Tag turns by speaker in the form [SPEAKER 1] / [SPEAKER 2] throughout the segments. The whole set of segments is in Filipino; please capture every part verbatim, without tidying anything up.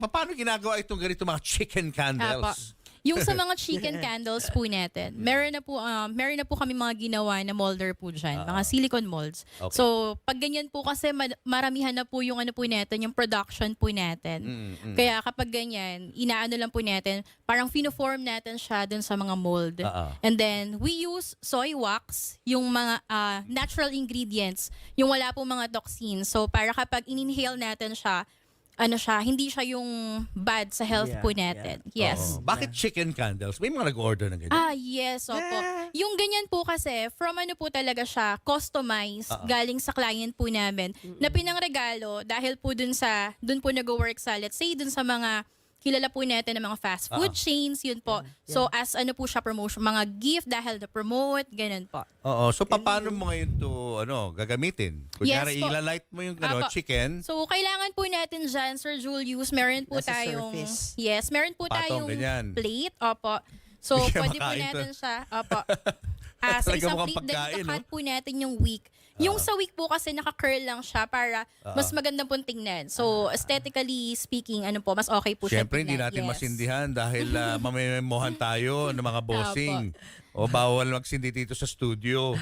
[SPEAKER 1] paano ginagawa itong ganito mga chicken candles?
[SPEAKER 2] Yung sa mga chicken candles po natin, meron na po um, meron na po kami mga ginawa na molder po dyan,
[SPEAKER 1] Ah.
[SPEAKER 2] mga silicone molds.
[SPEAKER 1] Okay.
[SPEAKER 2] So, pag ganyan po kasi ma- maramihan na po yung ano po natin, yung production po natin.
[SPEAKER 1] Mm, mm.
[SPEAKER 2] Kaya kapag ganyan, inaano lang po natin, parang fino-form natin siya dun sa mga mold.
[SPEAKER 1] Ah, ah.
[SPEAKER 2] And then, we use soy wax, yung mga ah, natural ingredients, yung wala po mga toxins. So, para kapag in-inhale natin siya, ano siya, hindi siya yung bad sa health
[SPEAKER 3] Yeah,
[SPEAKER 2] po natin. Yes.
[SPEAKER 1] Oo. Bakit chicken candles? May mga nag-order ng ganyan.
[SPEAKER 2] Ah, yes, opo. Yung ganyan po kasi, from ano po talaga siya, customized,
[SPEAKER 1] Ah, ah.
[SPEAKER 2] galing sa client po namin, na pinangregalo dahil po dun sa, dun po nag-work sa, let's say, dun sa mga kilala po natin ng mga fast food
[SPEAKER 1] Ah, ah.
[SPEAKER 2] chains, yun po. So, as ano po siya promotion, mga gift dahil na-promote, ganun po.
[SPEAKER 1] Oo. So, paano mo ngayon to ano, gagamitin? Kunyari,
[SPEAKER 2] Yes po.
[SPEAKER 1] ilalight mo yung ano,
[SPEAKER 2] Apo.
[SPEAKER 1] chicken.
[SPEAKER 2] So, kailangan po natin dyan, Sir Julius, meron po
[SPEAKER 3] Nasa
[SPEAKER 2] tayong,
[SPEAKER 3] surface.
[SPEAKER 2] yes, meron po
[SPEAKER 1] Patong,
[SPEAKER 2] tayong
[SPEAKER 1] ganyan.
[SPEAKER 2] plate, opo. So,
[SPEAKER 1] Hindi kaya
[SPEAKER 2] pwede po
[SPEAKER 1] makain to.
[SPEAKER 2] natin siya, opo. Ah, sa
[SPEAKER 1] Talaga
[SPEAKER 2] isang
[SPEAKER 1] mukhang
[SPEAKER 2] plate, then
[SPEAKER 1] pagkain,
[SPEAKER 2] ikakat
[SPEAKER 1] no?
[SPEAKER 2] po natin yung wick. Yung sa wick po kasi naka-curl lang siya para
[SPEAKER 1] Ah.
[SPEAKER 2] mas maganda pong tingnan. So, aesthetically speaking, ano po, mas okay po siya
[SPEAKER 1] Siyempre, hindi
[SPEAKER 2] tingnan.
[SPEAKER 1] natin
[SPEAKER 2] Yes.
[SPEAKER 1] masindihan dahil uh, mamimemohan tayo ng mga bossing. O bawal magsindi dito sa studio.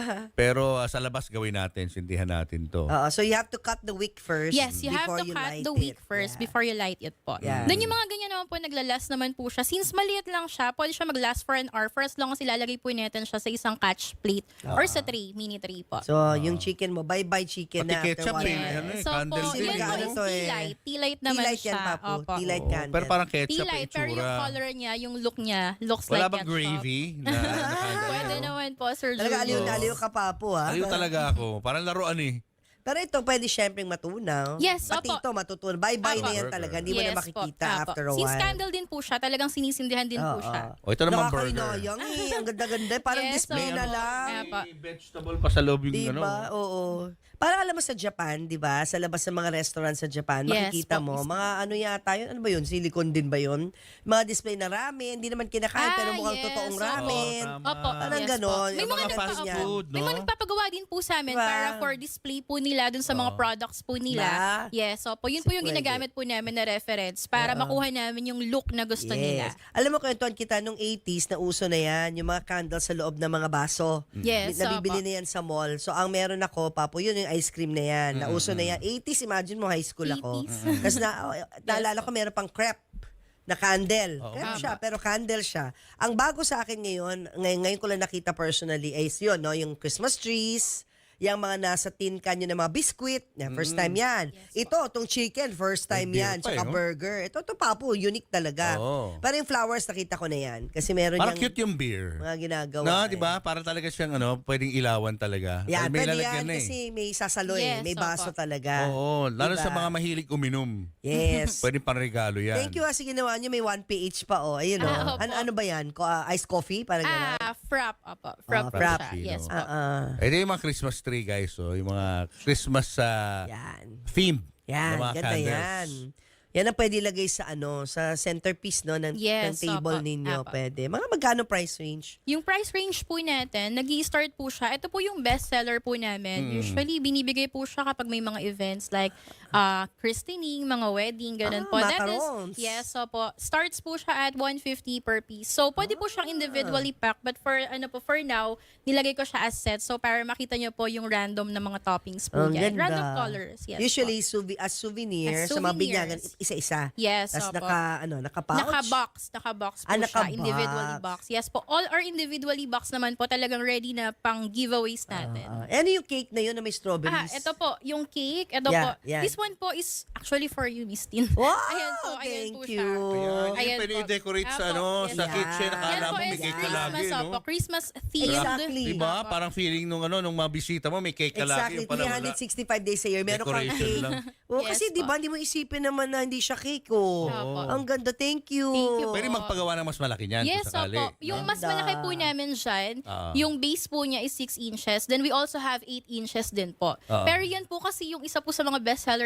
[SPEAKER 1] Pero uh, sa labas gawin natin, sindihan natin to.
[SPEAKER 3] Oo, so you have to cut the wick first
[SPEAKER 2] Yes, you have
[SPEAKER 3] before
[SPEAKER 2] to
[SPEAKER 3] you
[SPEAKER 2] cut
[SPEAKER 3] light
[SPEAKER 2] the wick
[SPEAKER 3] it.
[SPEAKER 2] first
[SPEAKER 3] Yeah.
[SPEAKER 2] before you light it po.
[SPEAKER 3] Yeah.
[SPEAKER 2] Then yung mga ganyan naman po, naglalast naman po siya. Since maliit lang siya, pwede siya mag-last for an hour for as long as ilalagay po natin siya sa isang catch plate or sa tray, mini tray po.
[SPEAKER 3] So, yung chicken mo, bye-bye chicken
[SPEAKER 1] Pati
[SPEAKER 3] na after
[SPEAKER 1] ketchup
[SPEAKER 3] one
[SPEAKER 1] eh,
[SPEAKER 3] hour.
[SPEAKER 1] ano eh,
[SPEAKER 2] So
[SPEAKER 1] candle
[SPEAKER 2] po,
[SPEAKER 1] din
[SPEAKER 2] yun
[SPEAKER 1] eh,
[SPEAKER 2] po
[SPEAKER 3] no?
[SPEAKER 2] is tea light. Tea light naman
[SPEAKER 3] Tea light yan,
[SPEAKER 2] siya.
[SPEAKER 3] Papo.
[SPEAKER 2] Opo.
[SPEAKER 3] Tea light
[SPEAKER 1] Oo,
[SPEAKER 3] candle.
[SPEAKER 1] pero parang
[SPEAKER 2] Tea
[SPEAKER 1] ketchup
[SPEAKER 2] light,
[SPEAKER 1] yung
[SPEAKER 2] pero yung
[SPEAKER 1] itsura.
[SPEAKER 2] color niya, yung look niya, looks
[SPEAKER 1] Wala
[SPEAKER 2] like
[SPEAKER 1] bang
[SPEAKER 2] ketchup.
[SPEAKER 1] gravy na, na candle?
[SPEAKER 2] Pwede naman po, Sir
[SPEAKER 3] Talaga
[SPEAKER 2] Julio.
[SPEAKER 3] aliw na aliw ka pa po, ha?
[SPEAKER 1] Aliw talaga ako. Parang laruan eh.
[SPEAKER 3] Pero ito, pwede syempre matunaw.
[SPEAKER 2] Yes,
[SPEAKER 3] Pati
[SPEAKER 2] opo.
[SPEAKER 3] ito, matutunaw. Bye-bye
[SPEAKER 2] Opo.
[SPEAKER 3] na yan talaga. Hindi mo na
[SPEAKER 2] Yes
[SPEAKER 3] makikita
[SPEAKER 2] po,
[SPEAKER 3] after a
[SPEAKER 2] apo.
[SPEAKER 3] while.
[SPEAKER 2] Since candle din po siya, talagang sinisindihan din po
[SPEAKER 3] Oo.
[SPEAKER 2] siya.
[SPEAKER 1] O ito naman burger.
[SPEAKER 3] Nakakainayang eh. Ang ganda-ganda. Parang
[SPEAKER 2] Yes,
[SPEAKER 3] display
[SPEAKER 2] opo.
[SPEAKER 3] na lang.
[SPEAKER 2] Apo.
[SPEAKER 1] May vegetable pa sa loob yung
[SPEAKER 3] Di
[SPEAKER 1] ano.
[SPEAKER 3] ba? Oo. Parang alam mo sa Japan, di ba? Sa labas ng mga restaurant sa Japan,
[SPEAKER 2] Yes,
[SPEAKER 3] makikita
[SPEAKER 2] po,
[SPEAKER 3] mo,
[SPEAKER 2] mismo.
[SPEAKER 3] mga ano yata yun, ano ba yun? Silicone din ba yun? Mga display na ramen, hindi naman kinakain,
[SPEAKER 2] Ah,
[SPEAKER 3] pero mukhang
[SPEAKER 2] yes,
[SPEAKER 3] totoong
[SPEAKER 2] opo.
[SPEAKER 3] ramen.
[SPEAKER 1] Oo, tama.
[SPEAKER 2] Opo,
[SPEAKER 3] Parang
[SPEAKER 2] yes
[SPEAKER 3] ganon.
[SPEAKER 2] po. May
[SPEAKER 3] Yung
[SPEAKER 2] mga,
[SPEAKER 3] mga
[SPEAKER 1] fast
[SPEAKER 2] nagpapa-
[SPEAKER 1] food,
[SPEAKER 2] May
[SPEAKER 1] no?
[SPEAKER 2] mga nagpapagawa din po sa amin
[SPEAKER 3] Diba?
[SPEAKER 2] para for display po nila dun sa mga
[SPEAKER 1] Oo.
[SPEAKER 2] products po nila.
[SPEAKER 3] Diba?
[SPEAKER 2] Yes, so po yun
[SPEAKER 3] Si
[SPEAKER 2] po yung
[SPEAKER 3] pwede.
[SPEAKER 2] ginagamit po namin na reference para makuha namin yung look na gusto nila.
[SPEAKER 3] Alam mo, kwentuhan kita nung eighties na uso na yan, yung mga candles sa loob ng mga baso.
[SPEAKER 2] Yes,
[SPEAKER 3] Nabibili
[SPEAKER 2] opo.
[SPEAKER 3] na yan sa mall. So, ang meron ako, Papo, yun yung ice cream na yan. Nauso na yan. eighties, imagine mo, high school ako.
[SPEAKER 2] eighties.
[SPEAKER 3] Kasi na, oh, naalala ko, meron pang crepe na candle.
[SPEAKER 1] Oo.
[SPEAKER 3] Crepe
[SPEAKER 2] Tama.
[SPEAKER 3] siya, pero candle siya. Ang bago sa akin ngayon, ngayon, ngayon ko lang nakita personally, is yun, no, yung Christmas trees, yung mga nasa tin can yun ng mga biscuit, yan, first time yan. Ito, itong chicken, first time
[SPEAKER 1] May beer
[SPEAKER 3] yan.
[SPEAKER 1] pa eh,
[SPEAKER 3] Tsaka
[SPEAKER 1] no?
[SPEAKER 3] burger. Ito, ito Papo, unique talaga.
[SPEAKER 1] Oo.
[SPEAKER 3] Pero yung flowers, nakita ko na yan. Kasi meron
[SPEAKER 1] Parang
[SPEAKER 3] yung
[SPEAKER 1] cute yung beer.
[SPEAKER 3] mga ginagawa.
[SPEAKER 1] No,
[SPEAKER 3] eh.
[SPEAKER 1] di ba? Parang talaga siyang ano, pwedeng ilawan talaga.
[SPEAKER 3] Yan,
[SPEAKER 1] May
[SPEAKER 3] pwede
[SPEAKER 1] lalagyan
[SPEAKER 3] yan
[SPEAKER 1] na eh.
[SPEAKER 3] kasi may sasalo eh.
[SPEAKER 2] Yes,
[SPEAKER 3] May baso
[SPEAKER 2] opo.
[SPEAKER 3] talaga.
[SPEAKER 1] Oo, lalo
[SPEAKER 3] Diba?
[SPEAKER 1] sa mga mahilig uminom.
[SPEAKER 3] Yes.
[SPEAKER 1] Pwede pang regalo yan.
[SPEAKER 3] Thank you kasi ginawa nyo. May one pH pa, oh. Ayun, oh.
[SPEAKER 2] Ah, opo.
[SPEAKER 3] ano, ano ba yan? Ko, ah, iced coffee? Parang gano'n?
[SPEAKER 2] Ah, frap, opo. Frap
[SPEAKER 3] Ah,
[SPEAKER 2] po
[SPEAKER 3] frap.
[SPEAKER 2] siya. Yes po.
[SPEAKER 3] Ah, ah.
[SPEAKER 1] Ito yung mga Christmas tree, guys. So, yung mga Christmas sa
[SPEAKER 3] Yan.
[SPEAKER 1] theme
[SPEAKER 3] Yan,
[SPEAKER 1] ng mga
[SPEAKER 3] ganda
[SPEAKER 1] candles.
[SPEAKER 3] yan. Yan ang pwede ilagay sa ano, sa centerpiece no ng, ng
[SPEAKER 2] Yes,
[SPEAKER 3] table
[SPEAKER 2] opo.
[SPEAKER 3] ninyo,
[SPEAKER 2] Opo.
[SPEAKER 3] pwede. Mga magkano price range?
[SPEAKER 2] Yung price range po natin, nag start po siya. Ito po yung best seller po namin.
[SPEAKER 1] Hmm.
[SPEAKER 2] Usually, binibigay po siya kapag may mga events like uh, christening, mga wedding, ganun
[SPEAKER 3] Ah,
[SPEAKER 2] po. That is,
[SPEAKER 3] macarons.
[SPEAKER 2] yes, so po. Starts po siya at one fifty per piece. So, pwede po siyang individually packed. But for, ano po, for now, nilagay ko siya as set. So, para makita nyo po yung random na mga toppings po
[SPEAKER 3] Ang
[SPEAKER 2] yan.
[SPEAKER 3] ganda.
[SPEAKER 2] Random colors, yes
[SPEAKER 3] Usually souvi- as souvenir,
[SPEAKER 2] As
[SPEAKER 3] sa mga
[SPEAKER 2] souvenirs.
[SPEAKER 3] binyagan, isa-isa.
[SPEAKER 2] Yes,
[SPEAKER 3] Tapos
[SPEAKER 2] opo.
[SPEAKER 3] naka, ano, naka-pouch.
[SPEAKER 2] Naka-box. Naka-box po
[SPEAKER 3] Ah,
[SPEAKER 2] siya.
[SPEAKER 3] naka-box.
[SPEAKER 2] Individually box. Yes po. All our individually box naman po talagang ready na pang giveaways natin.
[SPEAKER 3] Ah, ano yung cake na yun na may
[SPEAKER 2] Ah,
[SPEAKER 3] strawberries?
[SPEAKER 2] ito po, yung cake. Ito
[SPEAKER 3] Yeah,
[SPEAKER 2] po.
[SPEAKER 3] yan.
[SPEAKER 2] This one po is actually for you, Miss Tin.
[SPEAKER 3] Wow!
[SPEAKER 2] Ayan po, ayan
[SPEAKER 3] Thank
[SPEAKER 2] po
[SPEAKER 3] you.
[SPEAKER 2] siya.
[SPEAKER 1] Ayan,
[SPEAKER 2] Ayan
[SPEAKER 1] yung pwede
[SPEAKER 2] po.
[SPEAKER 1] i-decorate sa,
[SPEAKER 2] Apo,
[SPEAKER 1] ano,
[SPEAKER 2] yes,
[SPEAKER 1] sa
[SPEAKER 3] po.
[SPEAKER 1] kitchen.
[SPEAKER 3] Yan
[SPEAKER 1] Akala
[SPEAKER 2] Yan
[SPEAKER 1] mo
[SPEAKER 2] po
[SPEAKER 1] may
[SPEAKER 2] is
[SPEAKER 1] cake ka
[SPEAKER 2] Christmas,
[SPEAKER 1] lagi, no?
[SPEAKER 2] opo. Christmas themed.
[SPEAKER 3] Exactly.
[SPEAKER 1] Diba?
[SPEAKER 2] Opo.
[SPEAKER 1] Parang feeling nung ano, nung mga bisita mo, may cake ka lagi.
[SPEAKER 3] Exactly,
[SPEAKER 1] Yung pala
[SPEAKER 3] three
[SPEAKER 1] wala.
[SPEAKER 3] hundred sixty-five days a year. Meron kang
[SPEAKER 1] Decoration
[SPEAKER 3] cake.
[SPEAKER 1] lang.
[SPEAKER 3] Oh,
[SPEAKER 2] Yes
[SPEAKER 3] kasi di ba
[SPEAKER 2] po.
[SPEAKER 3] hindi mo isipin naman na hindi siya cake, oh.
[SPEAKER 2] Opo.
[SPEAKER 3] Ang ganda, thank you.
[SPEAKER 2] Thank you po.
[SPEAKER 1] Pwede magpagawa ng mas malaki niyan
[SPEAKER 2] Yes,
[SPEAKER 1] kung sakali.
[SPEAKER 2] opo. Yung mas
[SPEAKER 3] Ganda.
[SPEAKER 2] malaki po namin dyan,
[SPEAKER 1] Ah.
[SPEAKER 2] yung base po niya is six inches. Then we also have eight inches din po.
[SPEAKER 1] Ah.
[SPEAKER 2] Pero yan po kasi yung isa po sa mga bestseller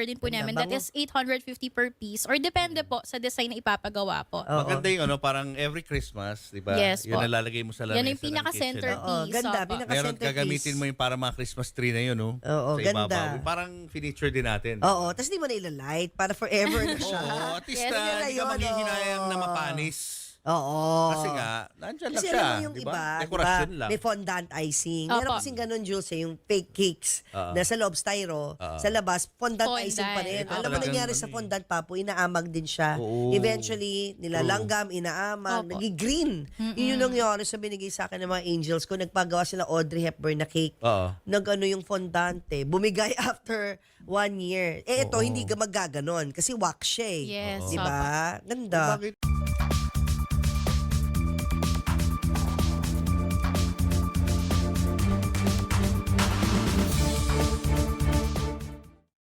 [SPEAKER 2] din po
[SPEAKER 3] Ganda,
[SPEAKER 2] namin. That
[SPEAKER 3] bango.
[SPEAKER 2] is eight hundred fifty per piece or depende po sa design na ipapagawa po.
[SPEAKER 3] Oo.
[SPEAKER 1] Maganda yung ano, parang every Christmas, di ba?
[SPEAKER 2] Yes
[SPEAKER 1] Yun
[SPEAKER 2] po.
[SPEAKER 1] nalalagay mo sa lamesa
[SPEAKER 2] Yan yung
[SPEAKER 1] ng
[SPEAKER 2] pinaka-center
[SPEAKER 1] kitchen.
[SPEAKER 3] Oo,
[SPEAKER 2] piece.
[SPEAKER 3] ganda,
[SPEAKER 2] Opo.
[SPEAKER 3] pinaka-
[SPEAKER 1] Meron
[SPEAKER 3] centerpiece.
[SPEAKER 1] gagamitin mo yung para mga Christmas tree na yun, no?
[SPEAKER 3] Oo,
[SPEAKER 1] sa
[SPEAKER 3] ganda.
[SPEAKER 1] ibabaw. Parang finiture din natin.
[SPEAKER 3] Oo, tapos di mo na ilalight para forever na siya.
[SPEAKER 1] Oo, at least
[SPEAKER 2] Yes,
[SPEAKER 1] na,
[SPEAKER 3] yun na
[SPEAKER 1] hindi ka
[SPEAKER 3] yun,
[SPEAKER 1] maghihinayang
[SPEAKER 3] oo.
[SPEAKER 1] na mapanis.
[SPEAKER 3] Oo.
[SPEAKER 1] Kasi nga, nandyan lang
[SPEAKER 3] Kasi
[SPEAKER 1] siya.
[SPEAKER 3] alam mo yung
[SPEAKER 1] di
[SPEAKER 3] iba,
[SPEAKER 1] ba?
[SPEAKER 3] di
[SPEAKER 1] Dekorasyon
[SPEAKER 3] ba,
[SPEAKER 1] lang.
[SPEAKER 3] may fondant icing.
[SPEAKER 2] Opo.
[SPEAKER 3] Meron kasing ganun, Jules, eh, yung fake cakes
[SPEAKER 1] Oo.
[SPEAKER 3] na sa loob styro,
[SPEAKER 1] Oo.
[SPEAKER 3] sa labas, fondant,
[SPEAKER 2] Fondant.
[SPEAKER 3] icing pa rin.
[SPEAKER 2] Ito
[SPEAKER 3] Alam mo
[SPEAKER 1] talagang
[SPEAKER 3] nangyari
[SPEAKER 1] ano
[SPEAKER 3] sa
[SPEAKER 1] eh.
[SPEAKER 3] fondant, Papo, inaamag din siya.
[SPEAKER 1] Oo.
[SPEAKER 3] Eventually, nilalanggam, inaamag,
[SPEAKER 2] Opo.
[SPEAKER 3] nagi-green. Yun yung nangyari sa binigay sa akin ng mga angels ko. Nagpagawa sila Audrey Hepburn na cake.
[SPEAKER 1] Oo.
[SPEAKER 3] Nag-ano yung fondant eh. Bumigay after one year. Eh, ito,
[SPEAKER 1] Oo.
[SPEAKER 3] hindi ka magaganon kasi wax siya eh.
[SPEAKER 2] Yes,
[SPEAKER 3] Di ba? Ganda.
[SPEAKER 1] Bakit?